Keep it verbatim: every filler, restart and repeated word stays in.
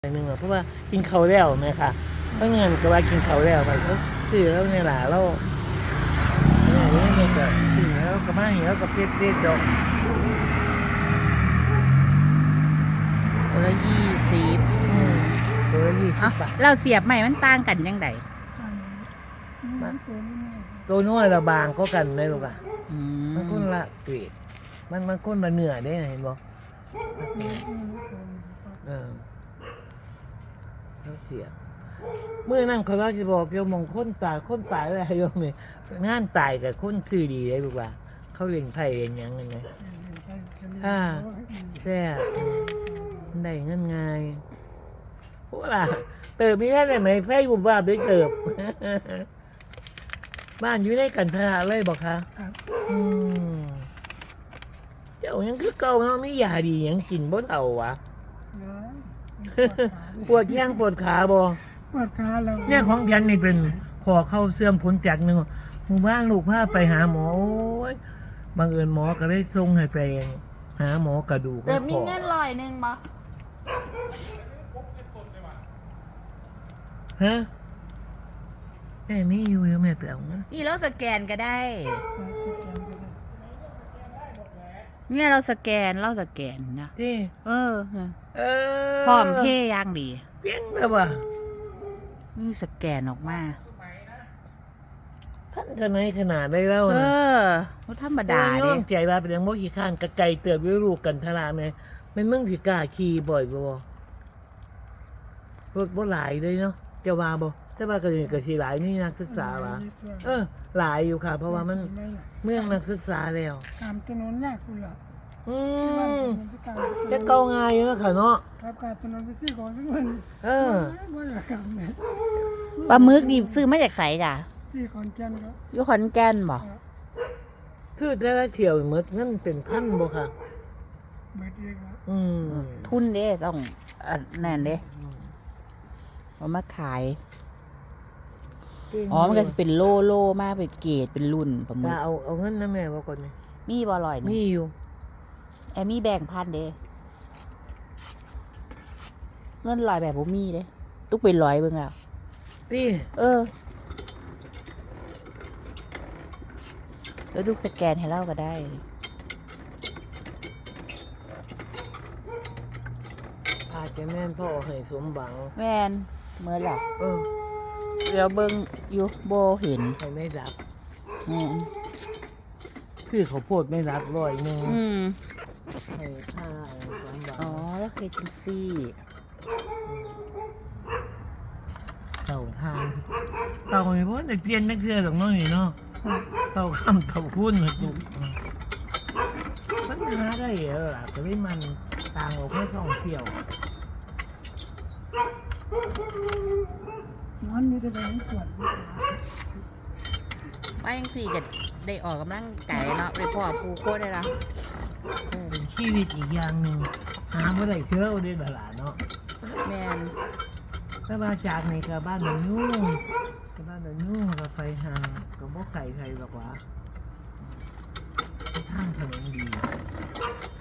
หนึ่งเพราะว่ากินเขาแล้วไหมค่ะเพราะงั้นก็ว่ากินเขาแล้วไปก็ซื้อแล้วในหลาเราเนี่ยนี่เนี่ยก็ซื้อแล้วก็มาแล้วก็เพ็ดเพ็ดดอกตัวละยี่สิบตัวละยี่สิเอ้าบบาทเราเสียบใหม่มันต่างกันยังไงตัวน้อยละบางก็กันได้หรอกอ่ะอืมันคนละเกรดมันมันคนละเนื้อได้เห็นบ่เออเขาเสียเมื่อนั่งเขาว่าจะบอกโยมมงคนตายคนตายอะไรโยมนี่งานตายกับคนซื้อดีได้บอกว่าเขาเลี้ยงไผ่เลี้ยงยังไงไงถ้าแต่ได้เงินไงพวกล่ะเติบมีแค่ไหนไหมไฟบุบว่าไปเติบ บ้านอยู่ในกันทราเลยบอกคะอืมเจ้ายังคือเก่าเนาะไม่ยาดียังกินบ่เท่าวะ ปวดแข้งปวดขาบ่ปวดขาเราเนี่ยของฉันนี่เป็นขอเข้าเสื่อมผลจากหนึ่งหมู่บ้านลูกพาไปหาหมอโอ้ยบังเอิญหมอก็ได้ส่งให้ไปหาหมอกระดูกเติมมีเงินลอยหนึ่งบ่ฮะแม่มีอยู่ยังแม่ไปเอาเงินนี่เราสแกนก็ได้ เนี่ยเราสแกนเราสแกนนะที่เออเออพร้อมเพย์ย่างดีเพี้ยนเลยว่ะนี่สแกนออกมาท่านจะไหนขนาดได้แล้วเอนะอเขาธรรมดาโอ้เด้ยใจว่าเป็นยังโมขี้ข้านกระไก่เติบวิรูกันทราไหมมันมึงสิกล้าขี่บ่อยบ่รถบ่หลายเลยเนาะจะว่าบ่แต่ว่าก็สิก็สิหลายนี่นักศึกษาว่ะเออ หลายอยู่ค่ะ เพราะว่ามันเมืองนักศึกษาแล้วตามถนนหน้าคุณล่ะอืมจะเก่าง่ายอยู่แล้วค่ะเนาะครับการถนนไปซื้อของทุกวันเออว่าละครับเนี่ยปลาหมึกดิซื้อมาจากไสจ้ะซื้อของจันครับอยู่ขอนแก่นบ่คือแต่ละเที่ยวหมดเงินเป็นพันบ่ค่ะเบิดเลยครับอืมทุนเด้ต้องอันนั่นเด้เอามาขาย อ๋อ มันก็จะเป็นโลโลมากเป็นเกรดเป็นรุ่นปลาหมึว่าก เอาเอาเงินนะแม่ว่าก่อนนี่มีบ่ลอยมีนี่อยู่แอมมี่แบ่งพันเด้เงินลอยแบบบ่มีเด้ตุกเป็นร้อยเบิ่งแล้วพี่เออ แล้วลูกสแกนให้เราก็ได้อาจจะแม่นพ่อให้สมบังแม่นเมื่อหรอเออเดี๋ยวเบิ่งอยู่โบเห็นให้ไม่รับแม่นคือเขาวโพดไม่รับร้อยหนึ่งอืมให้ค่าสมบัอ๋อง แล้วเคยจังซี่เต่าทางเต่าไม่พ้นแต่เปลี่ยนนักเรือหรอกน้องนี่เนาะเต่าคำเต่าคุ้นมาจุกมันหาได้เหรอล่ะแต่ไม่มันต่างออกให้ท่องเที่ยวมันมีแต่แบงค์ส่วนว่าจังซี่ก็ได้ออกกำลังกายเนาะไปพ่อปูโคได้ละเออเป็นชีวิตอีกอย่างหนึ่งหาเมื่อไรเชื่อได้บลาเนาะแม่นถ้ามาจากในกับบ้านหนูยุ่งกับบ้านหนูยุ่งกับไฟหางกับบ่ไก่ไทยหรอกวะทางถนนดี